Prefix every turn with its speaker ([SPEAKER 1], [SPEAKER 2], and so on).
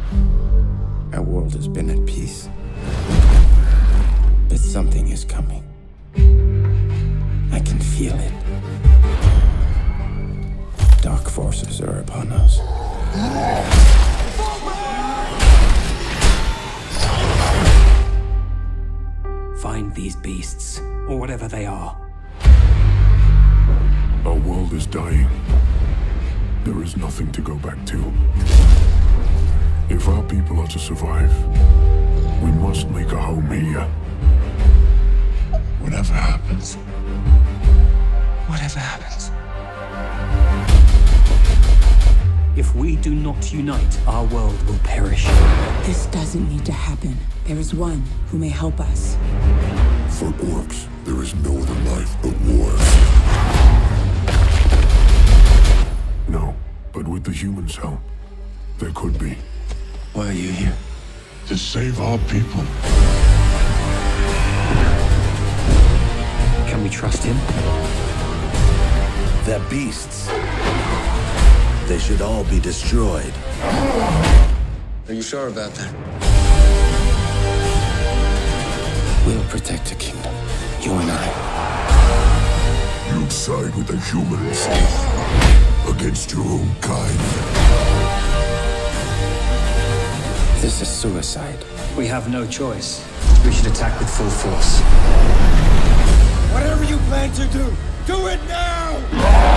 [SPEAKER 1] Our world has been at peace. But something is coming. I can feel it. Dark forces are upon us.
[SPEAKER 2] Find these beasts, or whatever they are.
[SPEAKER 3] Our world is dying. There is nothing to go back to. If our people are to survive, we must make a home here. Whatever happens.
[SPEAKER 1] Whatever happens.
[SPEAKER 2] If we do not unite, our world will perish.
[SPEAKER 4] This doesn't need to happen. There is one who may help us.
[SPEAKER 3] For orcs, there is no other life but war. No, but with the humans' help, there could be.
[SPEAKER 1] Why are you here?
[SPEAKER 3] To save our people.
[SPEAKER 2] Can we trust him?
[SPEAKER 5] They're beasts. They should all be destroyed.
[SPEAKER 1] Are you sure about that? We'll protect the kingdom. You and I.
[SPEAKER 3] You'd side with the humans against your own kind.
[SPEAKER 1] This is suicide.
[SPEAKER 2] We have no choice. We should attack with full force.
[SPEAKER 1] Whatever you plan to do, do it now!